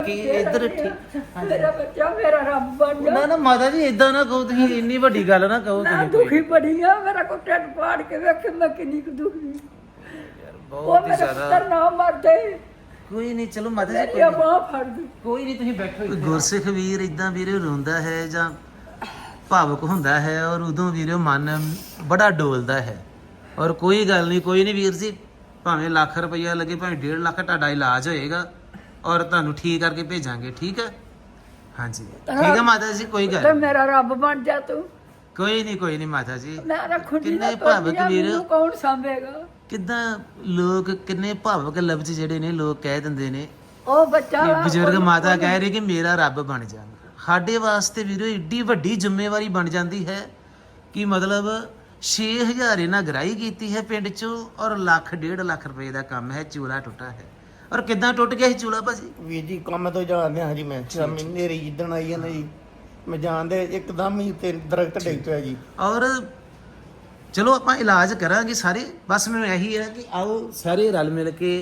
ਕਿ ਇੱਧਰ ਠੀਕ ਮੇਰਾ ਬੱਚਾ ਮੇਰਾ ਰੱਬ ਬਣ ਜਾ। ਨਾ ਨਾ ਮਾਤਾ ਜੀ ਇਦਾਂ ਨਾ ਕਹੋ, ਤੁਸੀਂ ਇੰਨੀ ਵੱਡੀ ਗੱਲ ਨਾ ਕਹੋ ਮੈਂ ਤੁਸੀਂ। ਦੁਖੀ ਬੜੀ ਆ, ਮੇਰਾ ਕੋ ਢਿੱਡ ਪਾੜ ਕੇ ਵੇਖ ਮੈਂ ਕਿੰਨੀ ਕੁ ਦੁਖੀ। ਉਹ ਬਹੁਤ ਹੀ ਮੇਰਾ ਜ਼ਿਆਦਾ। ਪੁੱਤਰ ਨਾ ਮਰਦੇ, ਕੋਈ ਨਹੀਂ, ਚਲੋ ਮਾਤਾ ਜੀ ਮੇਰੀ ਬਾਹ ਫੜ ਦੇ। ਕੋਈ ਨਹੀਂ, ਤੁਸੀਂ ਬੈਠੋ। ਗੁਰਸਿੱਖ ਵੀਰ ਇਦਾਂ ਵੀਰੇ ਰੋਂਦਾ ਹੈ ਜਾਂ ਭਾਵੁਕ ਹੁੰਦਾ ਹੈ, ਔਰ ਉਦੋਂ ਵੀਰੇ ਮਨ ਬੜਾ ਡੋਲਦਾ ਹੈ। ਔਰ ਕੋਈ ਗੱਲ ਨਹੀਂ, ਕੋਈ ਨਹੀਂ ਵੀਰ ਜੀ, ਭਾਵੇਂ ਲੱਖ ਰੁਪਈਆ ਲੱਗੇ, ਭਾਵੇਂ 1.5 ਲੱਖ, ਤੁਹਾਡਾ ਇਲਾਜ ਹੋਏਗਾ ਔਰ ਤੁਹਾਨੂੰ ਠੀਕ ਕਰਕੇ ਭੇਜਾਂਗੇ। ਠੀਕ ਹੈ? ਹਾਂਜੀ ਠੀਕ ਹੈ ਮਾਤਾ ਜੀ, ਕੋਈ ਗੱਲ ਤੇ ਨਹੀਂ। ਮੇਰਾ ਰੱਬ ਬਣ ਜਾ ਤੂੰ। ਕੋਈ ਨਹੀਂ ਮਾਤਾ ਜੀ। ਮੈਂ ਰੱਖੂਗੀ ਕਿੰਨੇ ਭਾਵੁਕ ਵੀਰ, ਮੈਨੂੰ ਕੌਣ ਸਾਂਭੇਗਾ? ਕਿੱਦਾਂ ਲੋਕ ਕਿੰਨੇ ਭਾਵੁਕ ਲਫ਼ਜ਼ ਜਿਹੜੇ ਨੇ ਲੋਕ ਕਹਿ ਦਿੰਦੇ ਨੇ। ਉਹ ਬੱਚਾ ਕਿ ਬਜ਼ੁਰਗ ਮਾਤਾ ਕਹਿ ਰਹੀ ਕਿ ਮੇਰਾ ਰੱਬ ਬਣ ਜਾ। ਸਾਡੇ ਵਾਸਤੇ ਵੀਰੋ ਏਡੀ ਵੱਡੀ ਜ਼ਿੰਮੇਵਾਰੀ ਬਣ ਜਾਂਦੀ ਹੈ ਕਿ ਮਤਲਬ 6000 ਇਹਨਾਂ ਗਰਾਈ ਕੀਤੀ ਹੈ ਪਿੰਡ ਚੋਂ, ਔਰ 1.5 ਲੱਖ ਰੁਪਏ ਦਾ ਕੰਮ ਹੈ। ਚੂਲਾ ਟੁੱਟਾ ਹੈ। ਔਰ ਕਿੱਦਾਂ ਟੁੱਟ ਗਿਆ ਸੀ ਚੂਲਾ ਭਾਜੀ? ਵੀਰ ਜੀ ਕੰਮ ਤੋਂ ਜਾਂਦੇ ਹਾਂ ਜੀ, ਮੈਂ ਸ਼ਾਮੀ ਨੇਰੀ ਜਿੱਦਣ ਆਈ ਹੈ ਨਾ ਜੀ, ਮੈਂ ਜਾਣਦੇ ਇੱਕਦਮ ਹੀ ਤੇ ਦਰਖਤ ਡਿੱਗ ਪਿਆ ਜੀ। ਔਰ ਚਲੋ ਆਪਾਂ ਇਲਾਜ ਕਰਾਂਗੇ ਸਾਰੇ, ਬਸ ਮੈਨੂੰ ਇਹੀ ਹੈ ਕਿ ਆਓ ਸਾਰੇ ਰਲ ਮਿਲ ਕੇ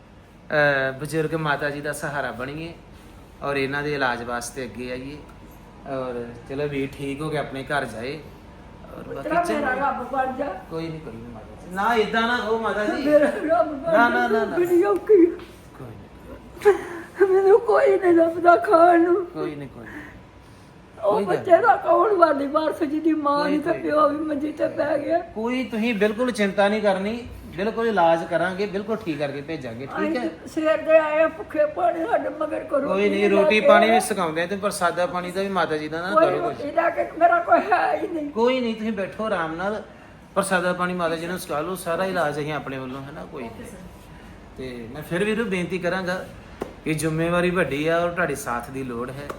ਬਜ਼ੁਰਗ ਮਾਤਾ ਜੀ ਦਾ ਸਹਾਰਾ ਬਣੀਏ ਔਰ ਇਹਨਾਂ ਦੇ ਇਲਾਜ ਵਾਸਤੇ ਅੱਗੇ ਆਈਏ। ਔਰ ਚਲੋ ਵੀ ਠੀਕ ਹੋ ਕੇ ਆਪਣੇ ਘਰ ਜਾਏ। ਔਰ ਤੇਰਾ ਬਾਕੀ ਮੇਰਾ ਚਲੋ ਰੱਬ ਬਣ ਜਾ। ਕੋਈ ਨਹੀਂ ਮਾਤਾ ਜੀ, ਨਾ ਇਦਾਂ ਨਾ ਕਹੋ ਮਾਤਾ ਜੀ। ਮੇਰਾ ਰੱਬ ਬਣ ਨਾ, ਜਾ। ਨਾ, ਨਾ। ਬੜੀ ਔਖੀ ਆ। ਕੋਈ ਨਹੀਂ ਮੈਨੂੰ ਕੋਈ ਨਹੀਂ ਲੱਭਦਾ ਖਾਣ ਨੂੰ। ਕੋਈ ਨਹੀਂ ਉਹ ਕੋਈ ਗੱਲ ਬੱਚੇ ਦਾ ਕੌਣ ਵਾਲੀ ਵਾਰਸ ਜਿਹਦੀ ਮਾਂ ਕੋਈ- ਨਹੀਂ ਤੇ ਕੋਈ। ਪਿਓ ਵੀ ਮੰਜੀ ਤੇ ਪੈ ਗਿਆ। ਕੋਈ ਤੁਸੀਂ ਬਿਲਕੁਲ ਚਿੰਤਾ ਨਹੀਂ ਕਰਨੀ, ਬਿਲਕੁਲ ਇਲਾਜ ਕਰਾਂਗੇ, ਬਿਲਕੁਲ ਠੀਕ ਕਰਕੇ ਭੇਜਾਂਗੇ। ਠੀਕ ਹੈ? ਅਸੀਂ ਸਵੇਰ ਦੇ ਆਏ ਆ, ਭੁੱਖੇ ਪਾਣੀ ਸਾਡੇ ਮਗਰ ਕਰੋ। ਕੋਈ ਨਹੀਂ, ਰੋਟੀ ਪਾਣੀ ਵੀ ਸਿਖਾਉਂਦੇ ਤੇ ਪ੍ਰਸਾਦਾ ਪਾਣੀ ਦਾ ਵੀ ਮਾਤਾ ਜੀ ਦਾ ਨਾ ਕੋਈ ਕਰੋ ਕੁਝ। ਰੋਟੀ ਲੈ ਕੇ ਮੇਰਾ ਕੋਈ ਹੈ ਹੀ ਨਹੀਂ। ਕੋਈ ਨਹੀਂ, ਤੁਸੀਂ ਬੈਠੋ ਆਰਾਮ ਨਾਲ, ਪ੍ਰਸਾਦਾ ਪਾਣੀ ਮਾਤਾ ਜੀ ਨੂੰ ਸਿਖਾ ਲਓ, ਸਾਰਾ ਇਲਾਜ ਅਸੀਂ ਆਪਣੇ ਵੱਲੋਂ ਹੈ ਨਾ। ਕੋਈ ਨਹੀਂ। ਤੇ ਮੈਂ ਫਿਰ ਵੀ ਬੇਨਤੀ ਕਰਾਂਗਾ ਕਿ ਜ਼ਿੰਮੇਵਾਰੀ ਵੱਡੀ ਆ ਔਰ ਤੁਹਾਡੇ ਸਾਥ ਦੀ ਲੋੜ ਹੈ।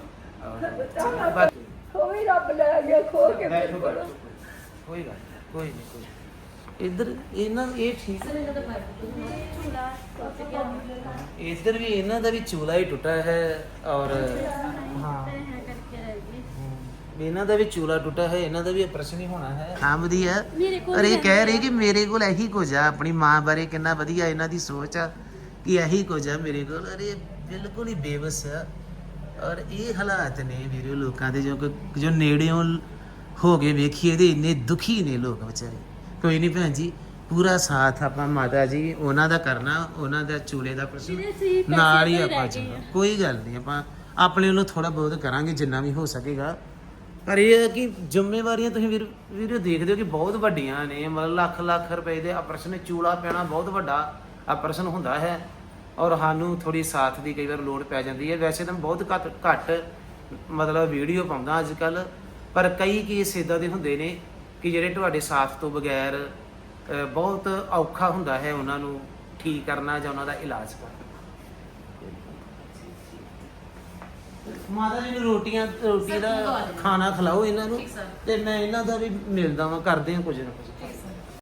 ਔਰ ਉਹ ਵੀ ਰੱਬ ਲੈ ਗਿਆ ਖੋ ਕੇ ਮੇਰੇ ਬੈਠੋ ਕੋਲੋਂ। ਬੈਠੋ, ਕੋਈ ਗੱਲ ਨਹੀਂ, ਕੋਈ ਨਹੀਂ, ਕੋਈ ਇੱਧਰ ਇਹਨਾਂ ਇਹ ਠੀਕ ਇੱਧਰ ਵੀ ਇਹਨਾਂ ਦਾ ਵੀ ਚੂਲਾ ਹੀ ਟੁੱਟਾ ਹੈ। ਔਰ ਹਾਂ ਇਹਨਾਂ ਦਾ ਵੀ ਚੂਲਾ ਟੁੱਟਾ ਹੈ, ਇਹਨਾਂ ਦਾ ਵੀ ਆਪਰੇਸ਼ਨ ਹੀ ਹੋਣਾ ਹੈ। ਹਾਂ ਵਧੀਆ। ਪਰ ਇਹ ਕਹਿ ਰਹੀ ਕਿ ਮੇਰੇ ਕੋਲ ਇਹੀ ਕੁਝ ਆ। ਆਪਣੀ ਮਾਂ ਬਾਰੇ ਕਿੰਨਾ ਵਧੀਆ ਇਹਨਾਂ ਦੀ ਸੋਚ ਆ ਕਿ ਇਹੀ ਕੁਝ ਆ ਮੇਰੇ ਕੋਲ। ਅਰੇ ਬਿਲਕੁਲ ਹੀ ਬੇਵਸ ਆ। ਔਰ ਇਹ ਹਾਲਾਤ ਨੇ ਵੀਰੇ ਲੋਕਾਂ ਦੇ, ਜੋ ਨੇੜਿਓਂ ਹੋ ਕੇ ਵੇਖੀਏ ਤੇ ਇੰਨੇ ਦੁਖੀ ਨੇ ਲੋਕ ਵਿਚਾਰੇ। ਕੋਈ ਨਹੀਂ ਭੈਣ ਜੀ, ਪੂਰਾ ਸਾਥ ਆਪਾਂ ਮਾਤਾ ਜੀ ਉਹਨਾਂ ਦਾ ਕਰਨਾ, ਉਹਨਾਂ ਦਾ ਚੂਲੇ ਦਾ ਪ੍ਰਸ਼ਨ ਨਾਲ ਹੀ ਆਪਾਂ ਚੱਲਣਾ। ਕੋਈ ਗੱਲ ਨਹੀਂ, ਆਪਾਂ ਆਪਣੇ ਵੱਲੋਂ ਥੋੜਾ ਬਹੁਤ ਕਰਾਂਗੇ ਜਿੰਨਾ ਵੀ ਹੋ ਸਕੇਗਾ। ਪਰ ਇਹ ਹੈ ਕਿ ਜ਼ਿੰਮੇਵਾਰੀਆਂ ਤੁਸੀਂ ਵੀਰੇ ਦੇਖਦੇ ਹੋ ਕਿ ਬਹੁਤ ਵੱਡੀਆਂ ਨੇ। ਮਤਲਬ ਲੱਖ ਰੁਪਏ ਦੇ ਆਪਰੇਸ਼ਨ, ਚੂਲਾ ਪੈਣਾ ਬਹੁਤ ਵੱਡਾ ਆਪਰੇਸ਼ਨ ਹੁੰਦਾ ਹੈ। ਔਰ ਸਾਨੂੰ ਥੋੜੀ ਸਾਥ ਦੀ ਕਈ ਵਾਰ ਲੋੜ ਪੈ ਜਾਂਦੀ ਹੈ। ਵੈਸੇ ਤਾਂ ਬਹੁਤ ਘੱਟ ਮਤਲਬ ਵੀਡੀਓ ਪਾਉਂਦਾ ਅੱਜ ਕੱਲ, ਪਰ ਕਈ ਕੇਸ ਇੱਦਾਂ ਦੇ ਹੁੰਦੇ ਨੇ ਕਿ ਜਿਹੜੇ ਤੁਹਾਡੇ ਸਾਥ ਤੋਂ ਬਗੈਰ ਬਹੁਤ ਔਖਾ ਹੁੰਦਾ ਹੈ ਉਹਨਾਂ ਨੂੰ ਠੀਕ ਕਰਨਾ ਜਾਂ ਉਹਨਾਂ ਦਾ ਇਲਾਜ ਕਰਨਾ। ਮਾਤਾ ਜੀ ਨੂੰ ਰੋਟੀ ਦਾ ਖਾਣਾ ਖਿਲਾਓ ਇਹਨਾਂ ਨੂੰ, ਤੇ ਮੈਂ ਇਹਨਾਂ ਦਾ ਵੀ ਮਿਲਦਾ ਵਾਂ, ਕਰਦੇ ਹਾਂ ਕੁਝ ਨਾ ਕੁਝ।